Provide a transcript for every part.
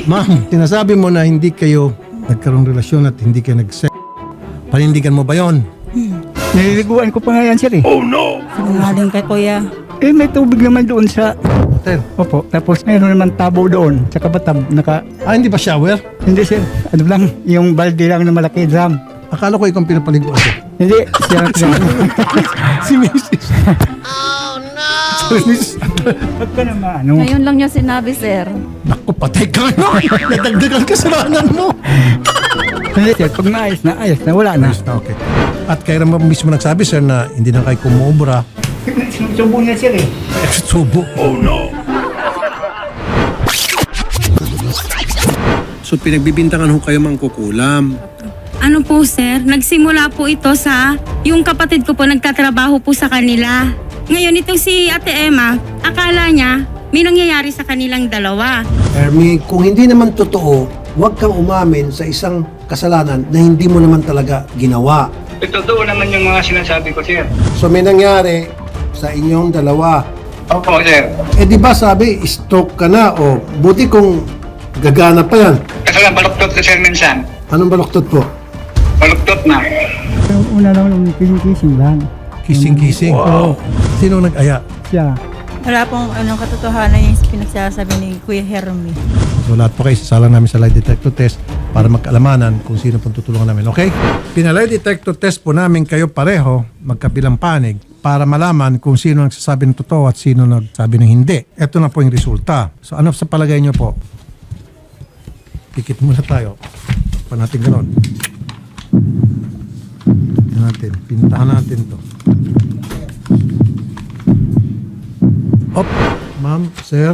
Ma'am, sinasabi mo na hindi kayo nagkaroong relasyon at hindi kayo nag-sex. Panindigan mo ba yon? Nililiguan ko pa nga yan, sir eh. Sinungaling kay kuya. Eh, may tubig naman doon sa... Hotel. Opo, tapos mayroon naman tabo doon sa kabatab. Hindi ba shower? Hindi, sir. Ano lang, yung balde lang na malaki drum. Akala ko ikaw ang pinapaliguan ko. Hindi, siya. Si Mrs. Ba't ka naman, ano? Ngayon lang niya sinabi, sir. Naku, patay ka na. Nadagdagan kasalanan mo. Hindi, sir. Pag ayos na, wala na. Okay. At kaya naman mismo nagsabi, sir, na hindi na kayo kumobra. Sinusubo niya, sir eh. Subo. Oh no. So pinagbibintangan ho kayo mangkukulam. Ano po sir, nagsimula po ito sa yung kapatid ko po nagtatrabaho po sa kanila. Ngayon itong si Ate Emma, akala niya may nangyayari sa kanilang dalawa. Ermi, kung hindi naman totoo, huwag kang umamin sa isang kasalanan na hindi mo naman talaga ginawa. Totoo naman yung mga sinasabi ko, sir. So may nangyari sa inyong dalawa. Opo, sir. Eh di ba sabi, stroke ka na o buti kung gagana pa yan. Kasi lang, baluktot ko, sir, minsan. Anong baluktot po? Baluktot na. Yung una lang nung kissing lang. Kissing-kissing. Wow. Sino nag-aya? Siya. Wala pong katotohanan yung pinagsasabi ni Kuya Hermie. So lahat po kayo sasalang namin sa lie detector test para magkaalamanan kung sino pong tutulungan namin. Okay? Pinalay detector test po namin kayo pareho, magkabilang panig, para malaman kung sino nagsasabi ng totoo at sino nagsabi ng hindi. Ito na po yung resulta. So ano sa palagay nyo po? Pikit muna tayo. Pa natin ganun. Pintahan natin to. Op, ma'am, sir.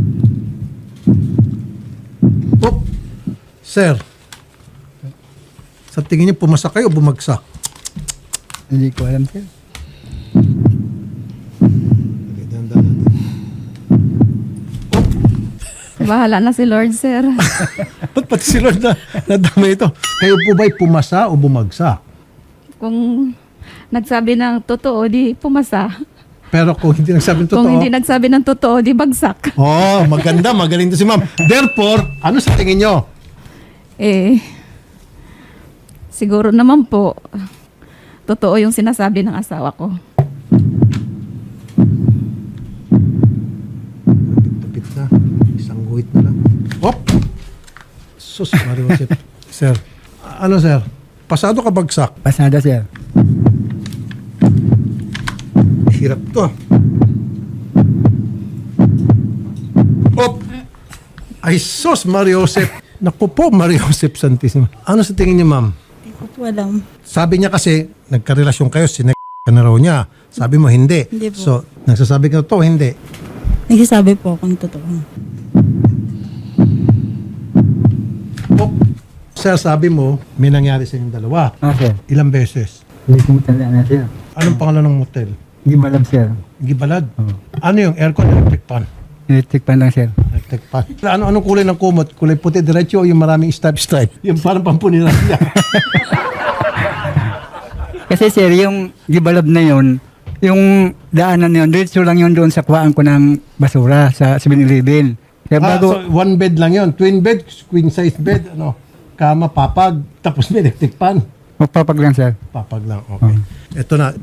Op, sir. Sa tingin niyo pumasak kayo o bumagsak? Hindi ko alam, sir. Okay, dahan-dahan natin. Bahala na si Lord, sir. Ba't pati si Lord na nadama ito? Kayo po ba'y pumasa o bumagsak? Kung nagsabi ng totoo, di pumasa. Pero kung hindi nagsabi ng totoo... Kung hindi nagsabi ng totoo, di bagsak. Oh, maganda. Magaling to si ma'am. Therefore, ano sa tingin nyo? Siguro naman po, totoo yung sinasabi ng asawa ko. Tapit na. Isang guhit na lang. Op! Sus, Mario Joseph. Sir, ano sir? Pasado ka bagsak? Pasada, sir. Hirap to. Op! Ay sus, Mario Joseph. Naku po, Mario Joseph Santissimo. Ano sa tingin niyo, ma'am? Hindi ko po alam. Sabi niya kasi, nagkarelasyon kayo, sinek ka na raw niya. Sabi mo, hindi. Hindi po. So, nagsasabi ka to, hindi. Nagsasabi po kung totoo. Op! Sir, sabi mo, may nangyari sa inyong dalawa. Sir. Ilang beses? Hindi ko matandaan na, sir. Anong pangalan ng motel? Hindi malam, sir. Gibalad? Oo. Ano yung aircon, electric fan? Electric pan lang, sir. Electric fan. Anong kulay ng kumot? Kulay puti, diretso o yung maraming stripe? Yung parang pampunira niya. Kasi, sir, yung gibalab na yon, yung daanan na yun, diretso lang yun doon sa kuhaan ko ng basura sa 7-Eleven. Kaya So one bed lang yon, twin bed, queen size bed, ano, kama, papag, tapos may electric fan. magpapag lang, sir. Papag lang, okay. Ito na.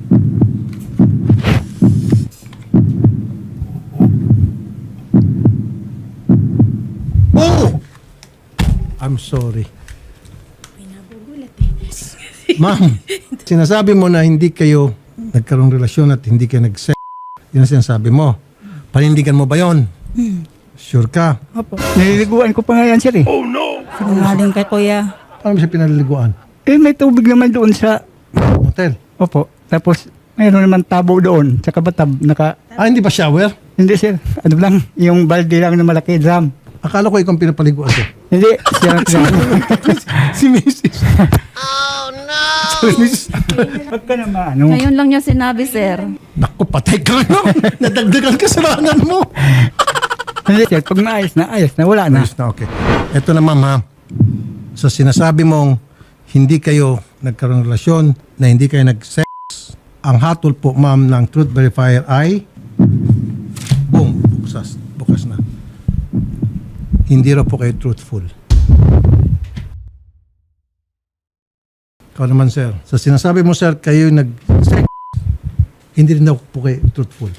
Oh! I'm sorry. Ma'am, sinasabi mo na hindi kayo nagkaroong relasyon at hindi kayo nag-sex. Yun ang sinasabi mo. Panindigan mo ba yon? Sure ka? Opo. Nililiguan ko pa nga yan, sir eh. Sinungaling kay kuya. Paano mo siya pinaliliguan? Eh, may tubig naman doon sa... Hotel? Opo. Tapos, mayroon naman tabo doon sa kabatab. Hindi ba shower? Hindi, sir. Ano lang, yung balde lang na malaki drum. Akala ko ikaw ang pinapaliguan ko. Hindi, siya. Si Mrs. Oh no! Ba't ka naman, ano? Ngayon lang niya sinabi, sir. Naku, patay ka na. Nadagdagan kasalanan mo. Hindi, sir. Pag ayos na, wala na. Ayos na, okay. Ito na, ma'am, ha. So, sinasabi mong hindi kayo nagkaroon ng relasyon, na hindi kayo nag-sex. Ang hatol po, ma'am, ng Truth Verifier ay boom, bukas na. hindi raw po kayo truthful. Ikaw naman, sir. Sa sinasabi mo, sir, kayo nag-sex, hindi rin daw po kayo truthful.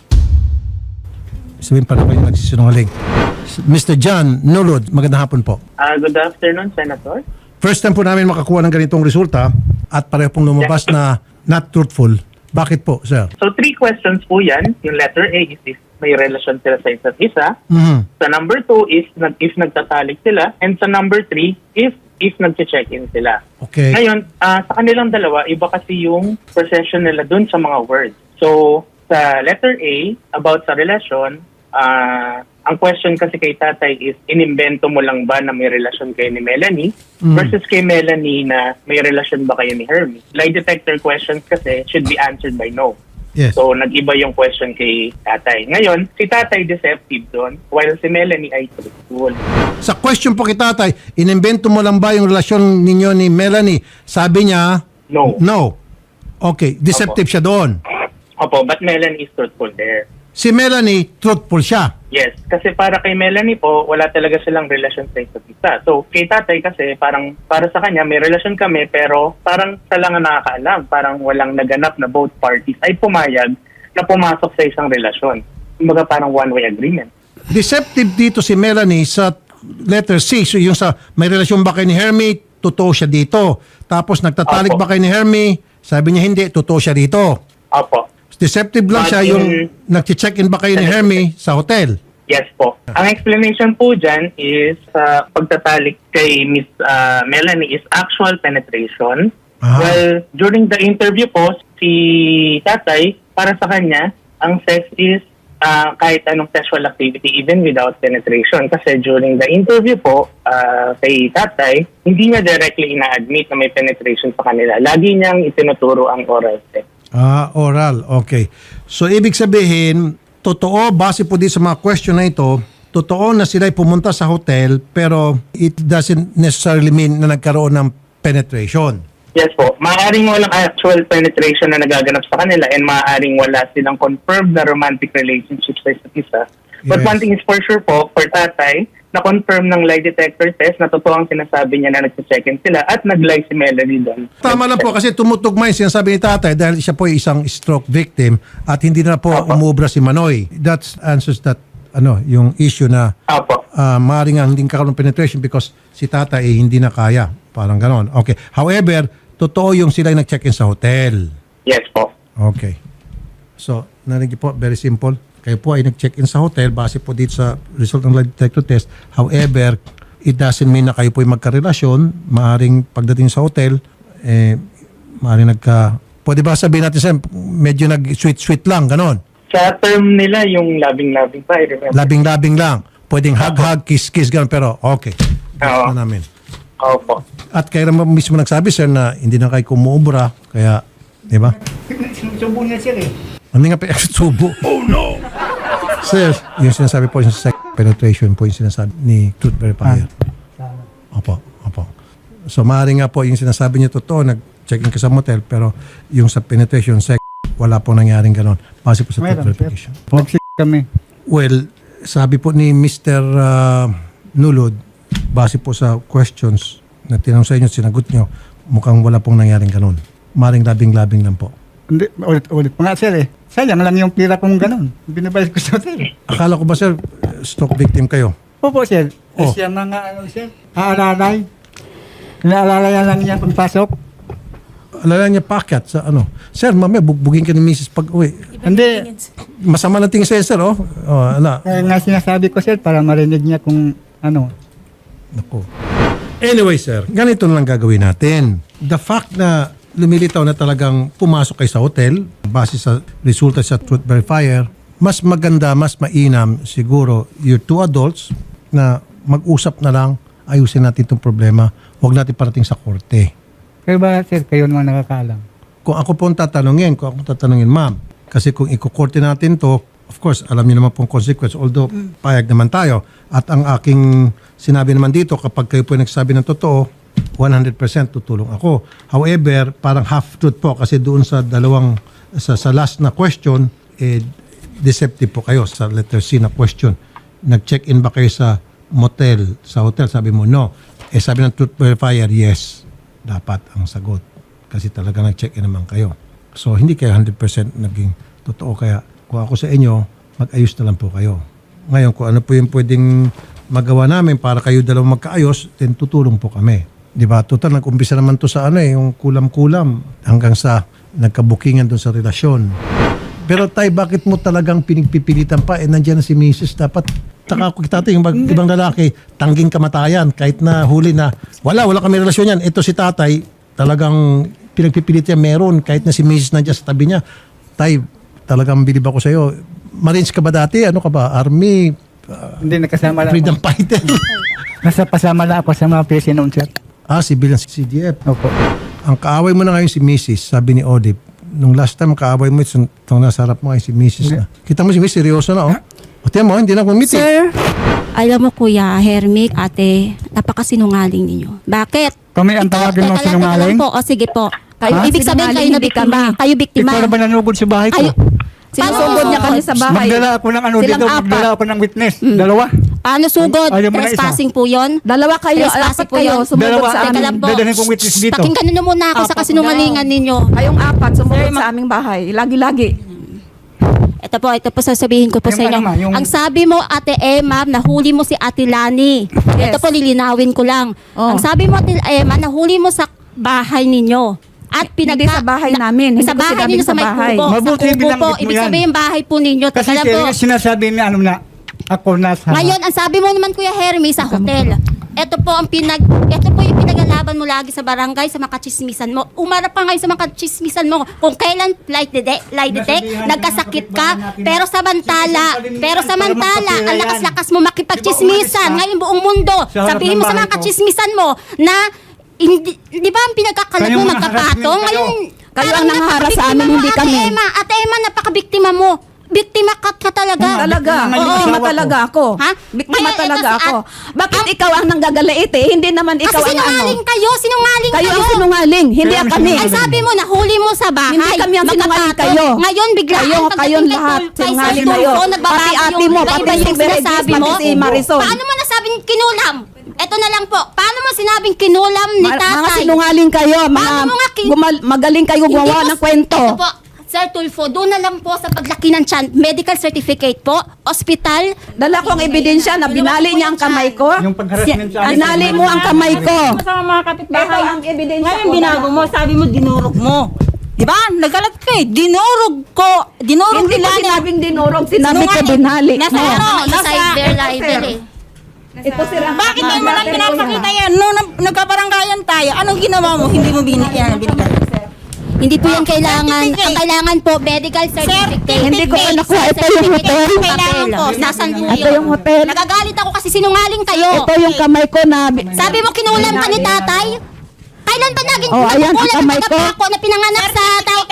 Sabihin pa na kayo nagsisinungaling. Mr. John Nulod, magandang hapon po. Good afternoon, Senator. First time po namin makakuha ng ganitong resulta at pareho pong lumabas na not truthful. Bakit po, sir? So, 3 questions po yan. Yung letter A is if may relasyon sila sa isa't isa. Mhm. Sa number 2 is if nagtatalik sila. And sa number 3, if nag-check-in sila. Okay. Ngayon, sa kanilang dalawa, iba kasi yung possession nila dun sa mga words. So, sa letter A, about sa relasyon, ang question kasi kay tatay is, inimbento mo lang ba na may relasyon kayo ni Melanie versus kay Melanie na may relasyon ba kayo ni Hermie? Lie detector questions kasi should be answered by no. Yes. So, nag-iba yung question kay tatay. Ngayon, si tatay deceptive doon, while si Melanie ay truthful. Sa question po kay tatay, inimbento mo lang ba yung relasyon ninyo ni Melanie? Sabi niya, No. no. Okay, deceptive siya doon. Opo, but Melanie is truthful there. Si Melanie, truthful siya. Yes, kasi para kay Melanie po, wala talaga silang relasyon sa isa't isa. So, kay tatay kasi, parang para sa kanya, may relasyon kami, pero parang sa lang ang nakakaalam. Parang walang naganap na both parties ay pumayag na pumasok sa isang relasyon. Kumbaga parang one-way agreement. Deceptive dito si Melanie sa letter C. So yung sa may relasyon ba kayo ni Hermie, totoo siya dito. Tapos nagtatalik Opo. ba kayo ni Hermie, sabi niya hindi, totoo siya dito. Opo. Deceptive lang siya yung nag-check-in ba kayo ni Hermie sa hotel. Yes po. Ang explanation po dyan is pagtatalik kay Miss Melanie is actual penetration. Aha. Well, during the interview po, si tatay, para sa kanya, ang sex is kahit anong sexual activity even without penetration. Kasi during the interview po, kay tatay, hindi niya directly ina-admit na may penetration sa kanila. Lagi niyang itinuturo ang oral sex. Oral. Okay. So, ibig sabihin, totoo, base po din sa mga question na ito, totoo na sila'y pumunta sa hotel, pero it doesn't necessarily mean na nagkaroon ng penetration. Yes po. Maaaring walang actual penetration na nagaganap sa kanila and maaaring wala silang confirmed na romantic relationship sa isa't isa. But Yes. one thing is for sure po, for tatay, na-confirm ng lie detector test na totoo ang sinasabi niya na nag-check-in sila at nag-lie si Melanie doon. Tama lang po kasi tumutugma yung sinasabi ni tatay dahil siya po ay isang stroke victim at hindi na po umubra si Manoy. That answers that yung issue na Apo. maaaring nga hindi kakaroon ng penetration because si tatay ay hindi na kaya. Parang ganon. Okay. However, totoo yung sila yung nag-check-in sa hotel. Yes po. Okay. So, narinig po, very simple. Kayo po ay nag-check-in sa hotel base po dito sa result ng lie detector test. However, it doesn't mean na kayo po ay magkarelasyon. Maaring pagdating sa hotel, maaring pwede ba sabihin natin sa medyo nag-sweet-sweet lang, ganon. Sa term nila, yung loving-loving pa, I remember. Labing-labing lang. Pwedeng hug-hug, kiss-kiss, ganon. Pero okay. Oo. Na namin. Opo. At kayo naman mismo nagsabi, sir, na hindi na kayo kumuubra. Kaya, di ba? Subo niya sir eh. Hindi nga pa subo. Oh no! Sir, yung sinasabi po yung sex penetration po yung sinasabi ni Truth Verifier. Opo. So maaaring nga po yung sinasabi niya totoo, nag-check-in ka sa motel, pero yung sa penetration sex, wala po nangyaring ganon. Base po sa Truth Verification. Kami. Well, sabi po ni Mr. Nulod, base po sa questions na tinanong sa inyo, sinagot nyo, mukhang wala pong nangyaring ganon. Maring labing-labing lang po. Hindi, ulit pa nga sir eh. Sayang lang yung pira kong ganun. Binabayad ko sa hotel. Akala ko ba, sir, stroke victim kayo? Opo sir. Oh. Siya mga sir. Aalalay. Inaalalay lang niya pagpasok. Alala niya packet sa Sir, mamaya bugbugin ka ni Mrs. pag uwi. Hindi. Masama na tingin sa'yo, sir, oh. Kaya nga sinasabi ko sir para marinig niya kung Naku. Anyway, sir, ganito na lang gagawin natin. The fact na lumilitaw na talagang pumasok kayo sa hotel base sa resulta sa Truth Verifier, mas maganda, mas mainam siguro your two adults na mag-usap na lang, ayusin natin itong problema. Huwag natin parating sa korte. Kaya ba sir, kayo naman nakakaalam? Kung ako po tatanungin, ma'am, kasi kung ikukorte natin to, of course, alam niyo naman pong consequence, although payag naman tayo. At ang aking sinabi naman dito, kapag kayo po nagsabi ng totoo, 100% tutulong ako. However, parang half-truth po kasi doon sa sa last na question, deceptive po kayo sa letter C na question. Nag-check-in ba kayo sa motel, sa hotel, sabi mo no. Sabi ng truth verifier, yes. Dapat ang sagot. Kasi talaga nag-check-in naman kayo. So, hindi kayo 100% naging totoo. Kaya kung ako sa inyo, mag-ayos na lang po kayo. Ngayon, kung ano po yung pwedeng magawa namin para kayo dalawang magkaayos, then tutulong po kami. Di ba? Total, nag-umpisa naman to sa yung kulam-kulam hanggang sa nagkabukingan doon sa relasyon. Pero tay, bakit mo talagang pinagpipilitan pa? Nandiyan na si Mrs. Dapat taka ko kita yung ibang lalaki, tangging kamatayan kahit na huli na wala kami relasyon yan. Ito si tatay, talagang pinagpipilitan meron kahit na si Mrs. nandiyan sa tabi niya. Tay, talagang bilib ako sa iyo. Marines ka ba dati? Ano ka ba? Army? Hindi nakasama lang Freedom ako. fighter? Nasa pasama lang ako sa mga PSA noon, sir. Civilian CDF. Opo. Ang kaaway mo na ngayon si Mrs., sabi ni Odip. Nung last time, kaaway mo, itong nasa harap mo ngayon si Mrs. na. Kita mo si Mrs. seryoso na, O tiyan mo, hindi na kumiti. Sir, alam mo Kuya, Hermic, ate, napakasinungaling ninyo. Bakit? Kami ang tawagin mo Teka lang sinungaling? po, o sige po. Kayo Ibig sabihin kayo na hindi biktima. kami. Kayo biktima. Ikaw na ba nanugod sa bahay ko? Kayo, Sinusugod niya kami sa bahay. Magdala ako ng ano Silang dito, apat. magdala ako ng witness. Dalawa. paano sugod? Ayaw mo na isa. Trespassing po yun. Dalawa kayo, Trespassing apat po kayo, yun. sumugod Dalawa sa ang Teka amin. lang po. dadalhin kong witness dito. Pakinggan nyo muna ako sa Apat kasinungalingan ninyo. Kayong apat, sumugod sa aming bahay. Lagi-lagi. Ito po sasabihin ko po Yung sa inyo. ano ma, yung- Ang sabi mo, Ate Emma, nahuli mo si Ate Lani. Yes. Ito po, lilinawin ko lang. Oh. Ang sabi mo, Ate Emma, nahuli mo sa bahay ninyo. At Hindi sa bahay namin. Hindi sa ko bahay sinabing ninyo sa sa may bahay. kubo. Mabuti Sa kubo binanggit po. mo Ibig yan. sabihin, bahay po ninyo. Kasi Teka lang po. sinasabi niya ano na ako nasa... Ngayon, ang sabi mo naman, Kuya Hermie, sa hotel. Ito po yung pinagalaban mo lagi sa barangay, sa mga kachismisan mo. Umarap pa ngayon sa mga kachismisan mo. Kung kailan lie detect, nagkasakit ka, pero samantala, ang lakas-lakas mo makipagchismisan. Ngayon buong mundo, Sa harap sabihin ng mo sa bahay mga ko. kachismisan mo na di ba ang pinagkakalat Kayo mo mga magkapatong? harassment kayo. Ngayon, Kayo parang ang nangaharap sa amin, napakabiktima mo, hindi kami. Ate Emma, napakabiktima mo. Biktima ka talaga. Talaga. Ngayon, Biktima asawa ko. talaga ako. Ha? Biktima Ngayon, talaga ito si ako. Bakit ikaw ang nanggagaliit eh? Hindi naman ikaw Kasi ang ano. sinungaling kayo, Kayo ang sinungaling. Hindi Kayo ang kami. Ang sabi mo, nahuli mo sa bahay. Hindi kami ang sinungaling, magkapatong. kayo. Ngayon, biglaan. Kayo, kayong lahat. Sinungaling kayo. Pati ate mo, pati si Berenice, pati si Marisol. Paano mo nasabing kinulam? Ito na lang po. Paano mo sinabing kinulam ni tatay? Mga sinungaling kayo. Paano mo nga Magaling kayo Hindi gumawa po- ng kwento. Ito po, Sir Tulfo, doon na lang po sa paglaki ng tiyan. Medical certificate po, hospital. Dala ko ang ebidensya na binali niya ang kamay ko. Yung pag-harassment sa amin. Binali mo ang kamay ko. Sa mga kapitbahay. Ito ang ebidensya Ngayon ko. binago mo, sabi mo dinurog mo. Di ba? Nagalat ka eh. Dinurog ko. Dinurog Hindi ko nila. sinabing dinurog, sinabi ko Sinungaling. binali. Nasa mo. ano? Nasa their libel eh. Ito sila. Bakit tayo mo lang pinapakita yan? Nung nagkabaranggayan tayo, anong ginawa mo? Hindi mo binigyan. Hindi po yan kailangan. Ang kailangan po, medical certificate. Hindi ko pa nakuha. Ito yung hotel. Kailangan po. Nasaan po Ito yun? yung hotel. Nagagalit ako kasi sinungaling kayo. Ito yung kamay ko na... Sabi mo kinulam ka ni tatay? Kailan ba naging Oh, ayan, ang kukulam kamay ng ko. Pako na pinanganak sa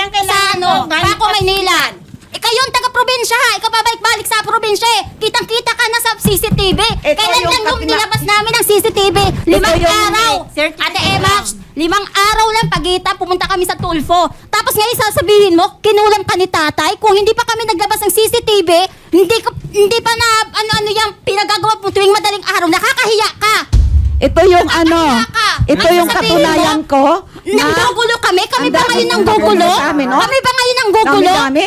Pako, Maynila? Ikaw yung taga-probinsya ha. Ikaw babalik-balik sa probinsya eh. Kitang-kita ka na sa CCTV. Kailan yung lang yung kapina- nilabas namin ang CCTV? 5 araw. Ate Emma, 5 araw lang pagita, pumunta kami sa Tulfo. Tapos ngayon sasabihin mo, kinulam ka ni tatay. Kung hindi pa kami naglabas ng CCTV, hindi pa na ano yung pinagagawa mo tuwing madaling araw. Nakakahiya ka. Ito yung ano, ito yung katunayan ko. Nanggugulo kami? Kami Ang ba dami ngayon ng nanggugulo? gagawin sa amin, no? Kami ba ngayon nanggugulo? Dami-dami?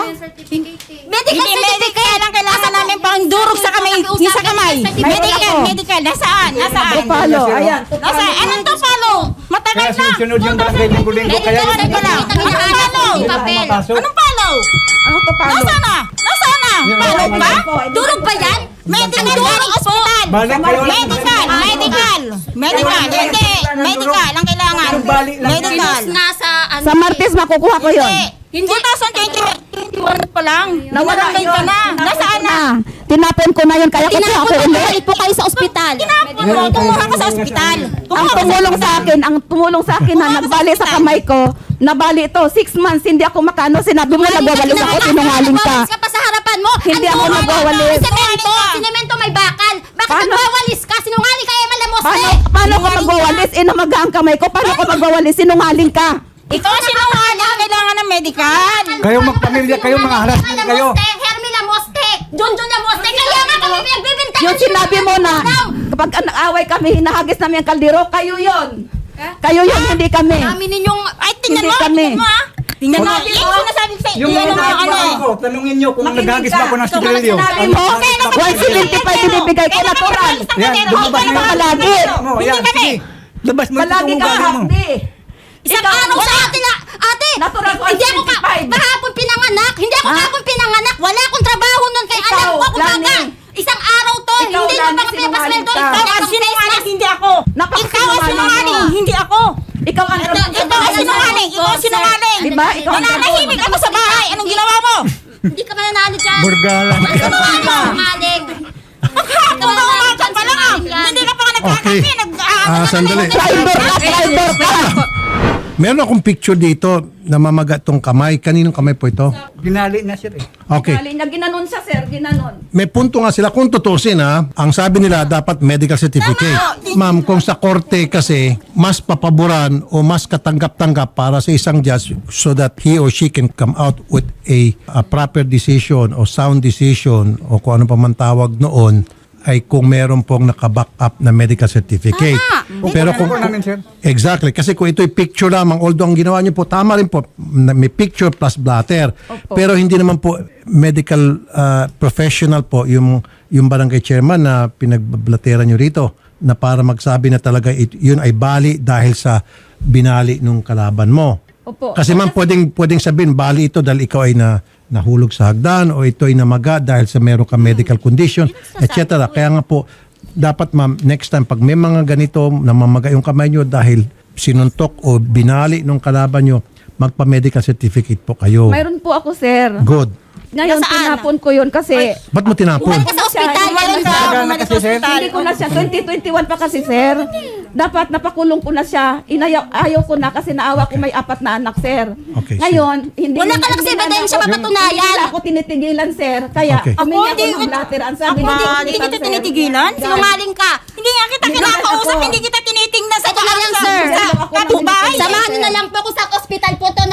Medical certificate. Kailangan kailangan namin pang durog sa kamay. Yung sa kamay. Medical. Nasaan? Tupalo, ayan. Nasaan? Anong tupalo? Matagal Kaya na. sunod-sunod yung barangay linggo-linggo. Kaya Medical certificate. Anong palo? Papel. Anong palo? Anong tupalo? Nasaan na? Nasaan na? Palog ba? Durog ba yan? Medical hospital. Balik kayo. Medical. Hindi. Medical ang kailangan. Medical. Nasa ano? Sa Martes makukuha ko yun. Hindi. 2021 pa lang. Nawala Nawalan ka na. Nasaan na? Tinapon ko na yun, kaya kukuha Tinapon ko mo, ulit. balik po kayo sa ospital. Tinapon mo. Kumuha ka sa ospital. Ang tumulong sa akin na nagbali sa kamay ko, nabali ito, 6 months, hindi ako makano, sinabi mo nagwawalis ako, sinungaling ka. Nagwawalis ka pa sa harapan mo. Hindi Ang ako duwa mo, nagwawalis. Sinemento may bakal. Bakit Paano? nagwawalis ka? Sinungaling ka, Emma Lamoste. Paano ko magwawalis? Inamaga ang kamay ko, paano ko magwawalis? Sinungaling ka. Ikaw sinungaling. Kailangan ng medical. Kayo magpamilya kayo, mga harassment kayo. Hermie Lamoste. Junjun Lamoste. Kaya nga kami pinagbibintangan Yung sinabi mo na, kapag nag-away kami, hinahagis namin ang kaldero, kayo yon. Kayo yon, hindi kami. Kami ninyong, ay, tingnan Hindi mo, kami. tingnan mo, ha? Tingnan mo, yung sinasabi ko sa'yo, Yung yan ang mga ano eh. ko, tanungin nyo kung naghagis ba ako ng Kung sigarilyo. sinabi mo, 175 binibigay ko natural. Yan, lumabas Hindi mo ka palagi. mo. Yan, sige. Labas mo ito Palagi kung ka, ugali mo. hapdi. Isang araw sa atin na, ate, Natural hindi ako 175. kahapon pinanganak, hindi ako kahapon pinanganak, wala akong trabaho nun, kaya Ikaw, alam ko kumbaga. Lani. Isang araw to, Ikaw, hindi mo Lani, pa pinapasweldo, sinungaling ka. ikaw Ikaw ang ang sinungaling, hindi ako. Ikaw ang Napakasinungaling sinungaling, mo. hindi ako. Ikaw ang Ito ang Sinungaling, ikaw ang sinungaling. Diba? Ikaw ang Nananahimik ako sa bahay, anong ginawa mo? Hindi ka mananalo dyan. Burgalan. Sinungaling. Ikaw na umakan pa lang ah. Hindi ka pa nga Okay. nagkakapi, Sandali. Driver ka, driver ka. Meron akong picture dito na mamaga tong kamay. Kaninong kamay po ito? Ginali na sir eh. Okay. Galing na ginanon siya, sir, ginanon. May punto nga sila. Kung tutusin ha, ang sabi nila dapat medical certificate. Ma'am, kung sa korte kasi, mas papaboran o mas katanggap-tanggap para sa isang judge so that he or she can come out with a proper decision o sound decision o kung ano pa man tawag noon ay kung meron pong naka-back up na medical certificate. Pero kung namin, sir. exactly, kasi kung ito'y picture lamang, although ang ginawa niyo po, tama rin po, may picture plus blatter. Pero hindi naman po medical professional po yung barangay chairman na pinagbablatera niyo rito na para magsabi na talaga yun ay bali dahil sa binali nung kalaban mo. Opo. Kasi ma'am, pwedeng sabihin, bali ito dahil ikaw ay nahulog sa hagdan o ito ay namaga dahil sa meron ka medical condition, etc. Kaya nga po, dapat ma'am, next time, pag may mga ganito, namamaga yung kamay nyo dahil sinuntok o binali nung kalaban nyo, magpa-medical certificate po kayo. Mayroon po ako, sir. Good. Ngayon, Nasaan? tinapon ko yun kasi Ba't mo tinapon? Bumalik ka sa ospital. Bumalik ka, bumalik sa ospital. hindi ko na siya, 2021 pa kasi, sir. Dapat napakulong ko na siya. Ayaw ko na kasi naawa ko may 4 na anak, sir. Okay, Ngayon, hindi Wala ka lang hindi sa na ebidensya ako- mapatunayan. Hindi na ako tinitigilan, sir. Kaya, Okay. humingi ako Ako, ng blatter. Ang sabi Ako, ng hindi kita sir. tinitigilan. Sinungaling ka. Hindi nga kita Hindi kinakausap, ako. hindi kita tinitingnan sa Ito na lang, sir. kapitbahay. Samahan niyo na lang po ako sa ospital po to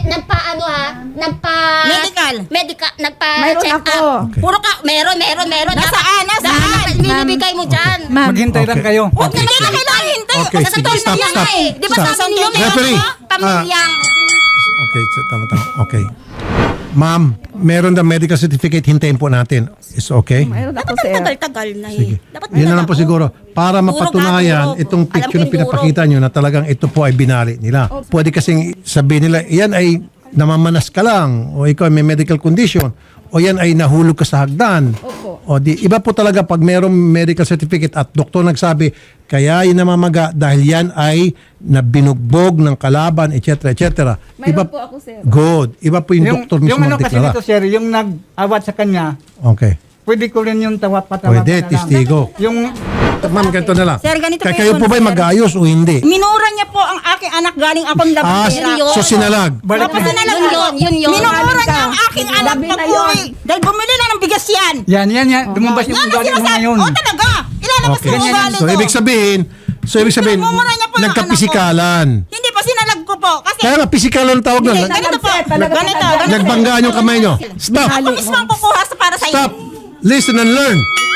Mayroon check ako. up. Okay. Puro ka, meron. Nasaan? Nasaan? Binibigay mo dyan. Maghintay lang kayo. Huwag na kita kailangan hintay. Okay, Sa sige. tol Stop, yan stop. nga eh. Di ba Stop. sabi niyo meron Referee. ako? Pamilyang. Okay, tama. Okay. Ma'am, meron na medical certificate, hintayin po natin. Is okay? Mayroon ako, sir. Tagal-tagal na Sige. eh. Dapat Yun na lang po siguro. Para mapatunayan guro. itong Alam picture ko na yung guro. pinapakita nyo na talagang ito po ay binali nila. Pwede kasing sabihin nila, yan ay namamanas ka lang o ikaw ay may medical condition o yan ay nahulog ka sa hagdan. Opo. O di, iba po talaga pag mayroong medical certificate at doktor nagsabi, kaya yung namamaga dahil yan ay nabinugbog ng kalaban, etc. etc. Mayroon po ako, sir. Good. Iba po yung doktor mismo yung ano kasi magdeklara. dito sir, yung nag-awat sa kanya, Okay. pwede ko rin yung patawag Pwede, testigo. Yung Ma'am, ganito na lang. Sir, ganito Kaya po kayo yun, po ba sir. mag-ayos o hindi? Minura niya po ang aking anak galing akong labandera. So sinalag. balik Tapos na. na lang Yun. Minura niya ang aking anak Labi na pag-uwi. yun. Dahil bumili lang ng bigas yan. Yan. Lumabas yung Yan ang ugali mo sinasabi. ngayon. O talaga. Ilalabas Okay. yung ugali So ko. ibig sabihin, Minumura niya po yung nagkapisikalan. Hindi pa sinalag ko po. Kasi Kaya nga, pisikalan ang tawag Hindi, nun. ganito po. Talaga Ganito. talaga. Nagbanggaan yung kamay nyo. Stop! Ako mismo ang kukuha para sa Stop! inyo. Listen and learn.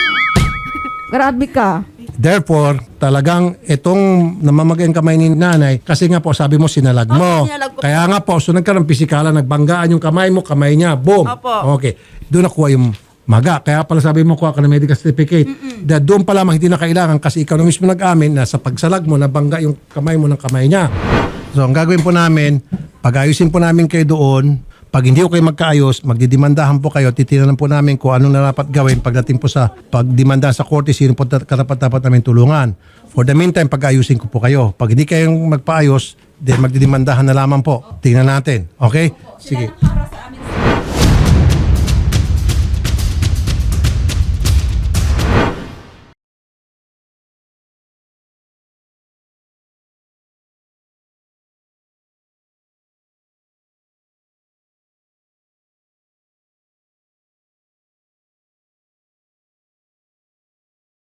Grabe ka. Therefore, talagang itong namamagay ang kamay ni nanay, kasi nga po, sabi mo, sinalag mo. sinalag ko. Kaya nga po, so nagkaroon pisikalan, nagbanggaan yung kamay mo, kamay niya, boom. Opo. Okay. Doon nakuha yung maga. Kaya pala sabi mo, kuha ka ng medical certificate. Dahil doon pa lamang hindi na kailangan kasi ikaw na mismo nag-amin na sa pagsalag mo, nabangga yung kamay mo ng kamay niya. So, ang gagawin po namin, pag-ayusin po namin kayo doon. Pag hindi ko kayo magkaayos, magdidimandahan po kayo, titiranan po namin kung anong dapat gawin pagdating po sa pagdimanda sa korte, sino po karapat-dapat namin tulungan. For the meantime, pag-ayusin ko po kayo. Pag hindi kayong magpaayos, then magdidimandahan na lamang po. Tingnan natin. Okay? Sige.